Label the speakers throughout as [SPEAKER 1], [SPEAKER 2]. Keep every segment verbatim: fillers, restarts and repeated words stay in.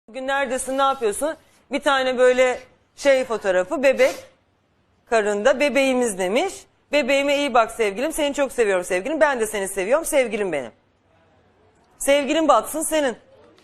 [SPEAKER 1] Bugün neredesin, ne yapıyorsun? Bir tane böyle şey fotoğrafı, bebek karında, bebeğimiz demiş. Bebeğime iyi bak sevgilim, seni çok seviyorum sevgilim, ben de seni seviyorum sevgilim benim. Sevgilin batsın senin.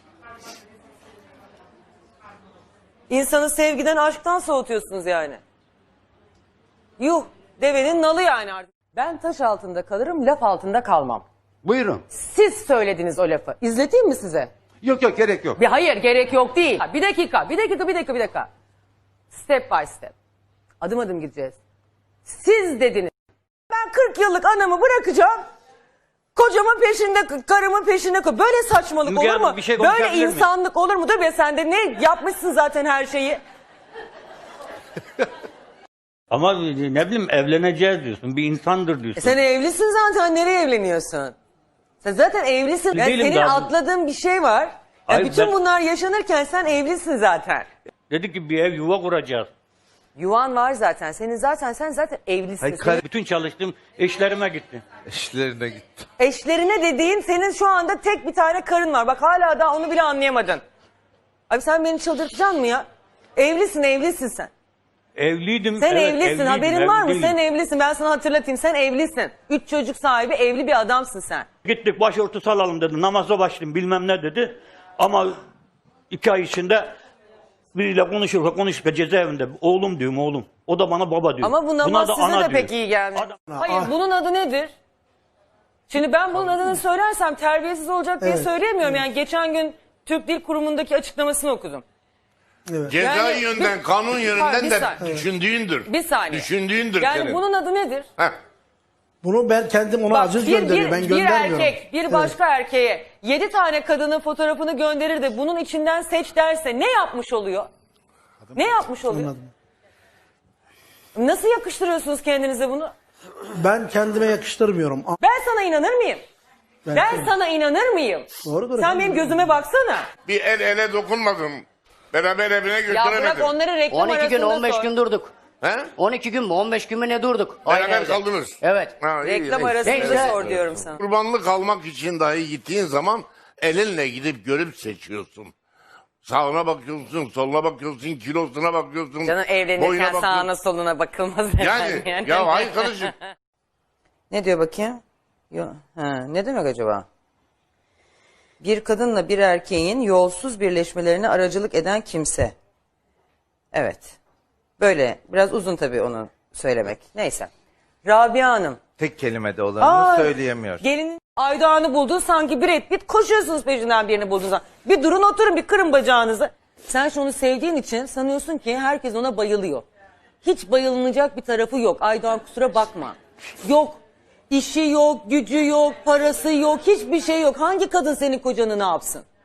[SPEAKER 1] İnsanı sevgiden, aşktan soğutuyorsunuz yani. Yuh, devenin nalı yani artık. Ben taş altında kalırım, laf altında kalmam.
[SPEAKER 2] Buyurun.
[SPEAKER 1] Siz söylediniz o lafı. İzleteyim mi size?
[SPEAKER 2] Yok yok gerek yok.
[SPEAKER 1] Bir hayır, gerek yok değil. Bir dakika, bir dakika, bir dakika, bir dakika. Step by step. Adım adım gideceğiz. Siz dediniz. Ben kırk yıllık anamı bırakacağım. Kocamın peşinde, karımın peşinde. Böyle saçmalık
[SPEAKER 3] Müge
[SPEAKER 1] olur mu?
[SPEAKER 3] Hanım, bir şey
[SPEAKER 1] Böyle
[SPEAKER 3] konuşabilir miyim?
[SPEAKER 1] insanlık olur mu? Dur be, sen de ne yapmışsın zaten her şeyi.
[SPEAKER 3] Ama ne bileyim evleneceğiz diyorsun. Bir insandır diyorsun.
[SPEAKER 1] E sen evlisin zaten, nereye evleniyorsun? Sen zaten evlisin. Yani
[SPEAKER 3] Değilim
[SPEAKER 1] senin
[SPEAKER 3] daha.
[SPEAKER 1] atladığın bir şey var. Ya
[SPEAKER 3] Hayır,
[SPEAKER 1] bütün
[SPEAKER 3] ben-
[SPEAKER 1] bunlar yaşanırken sen evlisin zaten.
[SPEAKER 3] Dedi ki bir ev yuva kuracağız.
[SPEAKER 1] Yuvan var zaten. Senin zaten sen zaten evlisin.
[SPEAKER 2] Hayır,
[SPEAKER 1] Senin
[SPEAKER 2] kar-
[SPEAKER 3] Bütün çalıştığım eşlerime gitti.
[SPEAKER 4] İşlerine gitti.
[SPEAKER 1] eşlerine dediğin, senin şu anda tek bir tane karın var. Bak hala daha onu bile anlayamadın. Abi sen beni çıldırtacaksın mı ya? Evlisin, evlisin sen.
[SPEAKER 3] Evliydim.
[SPEAKER 1] Sen
[SPEAKER 3] evet,
[SPEAKER 1] evlisin.
[SPEAKER 3] evliydim,
[SPEAKER 1] Haberin var mı?
[SPEAKER 3] evliydim.
[SPEAKER 1] Sen evlisin. Ben sana hatırlatayım. Sen evlisin. Üç çocuk sahibi, evli bir adamsın sen.
[SPEAKER 3] Gittik başörtüsü alalım dedi. Namaza başlayayım bilmem ne dedi. Ama iki ay içinde biriyle konuşurken konuşurken cezaevinde. Oğlum diyorum oğlum. O da bana baba diyor.
[SPEAKER 1] Ama bu namaz
[SPEAKER 3] Buna da
[SPEAKER 1] size
[SPEAKER 3] ana
[SPEAKER 1] de
[SPEAKER 3] diyor.
[SPEAKER 1] pek iyi gelmiyor.
[SPEAKER 3] Adam-
[SPEAKER 1] Hayır, bunun adı nedir? Şimdi ben bunun adını söylersem terbiyesiz olacak diye
[SPEAKER 5] Evet,
[SPEAKER 1] söyleyemiyorum. Yani geçen gün Türk Dil Kurumu'ndaki açıklamasını okudum.
[SPEAKER 5] Evet.
[SPEAKER 4] Ceza
[SPEAKER 1] Yani
[SPEAKER 4] yönden,
[SPEAKER 1] bir-
[SPEAKER 4] kanun
[SPEAKER 1] bir
[SPEAKER 4] yönünden de
[SPEAKER 1] saniye.
[SPEAKER 4] düşündüğündür.
[SPEAKER 1] Bir saniye.
[SPEAKER 4] Düşündüğündür
[SPEAKER 1] Yani
[SPEAKER 4] senin.
[SPEAKER 1] bunun adı nedir?
[SPEAKER 4] Heh.
[SPEAKER 5] Bunu ben kendim ona
[SPEAKER 1] Bak,
[SPEAKER 5] aciz
[SPEAKER 1] bir,
[SPEAKER 5] gönderiyorum. Ben
[SPEAKER 1] bir, bir
[SPEAKER 5] göndermiyorum.
[SPEAKER 1] erkek bir başka erkeğe yedi tane kadının fotoğrafını gönderir de bunun içinden seç derse ne yapmış oluyor? Ne yapmış oluyor?
[SPEAKER 5] Anladım.
[SPEAKER 1] Nasıl yakıştırıyorsunuz kendinize bunu?
[SPEAKER 5] Ben kendime yakıştırmıyorum. A-
[SPEAKER 1] Ben sana inanır mıyım?
[SPEAKER 5] Ben-
[SPEAKER 1] Ben sana inanır mıyım?
[SPEAKER 5] Doğrudur
[SPEAKER 1] Sen
[SPEAKER 5] efendim.
[SPEAKER 1] benim gözüme baksana.
[SPEAKER 4] Bir el ele dokunmadım. Beraber evine
[SPEAKER 1] Ya
[SPEAKER 4] götüremedim.
[SPEAKER 1] bırak onları reklam
[SPEAKER 6] on iki gün
[SPEAKER 1] arasında
[SPEAKER 6] on beş
[SPEAKER 1] sor.
[SPEAKER 6] gün durduk.
[SPEAKER 4] He?
[SPEAKER 6] on iki gün mü on beş gün mü ne durduk? Aynı
[SPEAKER 4] Beraber
[SPEAKER 6] evde.
[SPEAKER 4] kaldınız.
[SPEAKER 6] Evet.
[SPEAKER 4] Ha, iyi,
[SPEAKER 1] Reklam
[SPEAKER 4] iyi.
[SPEAKER 1] arasında
[SPEAKER 6] Neyse.
[SPEAKER 1] sor diyorum sana.
[SPEAKER 4] Kurbanlık almak için dahi gittiğin zaman elinle gidip görüp seçiyorsun. Sağına bakıyorsun, soluna bakıyorsun, kilosuna bakıyorsun.
[SPEAKER 1] Canım
[SPEAKER 4] boyuna
[SPEAKER 1] evlenirken
[SPEAKER 4] bakıyorsun.
[SPEAKER 1] sağına soluna bakılmaz.
[SPEAKER 4] Yani,
[SPEAKER 1] efendim
[SPEAKER 4] ya hayır kardeşim.
[SPEAKER 1] Ne diyor bakayım? Yo, ha, ne demek acaba? Bir kadınla bir erkeğin yolsuz birleşmelerine aracılık eden kimse. Evet. Böyle biraz uzun tabii onu söylemek. Neyse. Rabia Hanım.
[SPEAKER 2] Tek kelimede olanını
[SPEAKER 1] Aa,
[SPEAKER 2] söyleyemiyor.
[SPEAKER 1] Gelin Aydoğan'ı buldun, sanki Brad Pitt, koşuyorsunuz peşinden birini buldunuz. Bir durun, oturun, bir kırın bacağınızı. Sen şunu sevdiğin için sanıyorsun ki herkes ona bayılıyor. Hiç bayılınacak bir tarafı yok. Aydoğan kusura bakma. Yok. İşi yok, gücü yok, parası yok, hiçbir şey yok. Hangi kadın senin kocanı ne yapsın?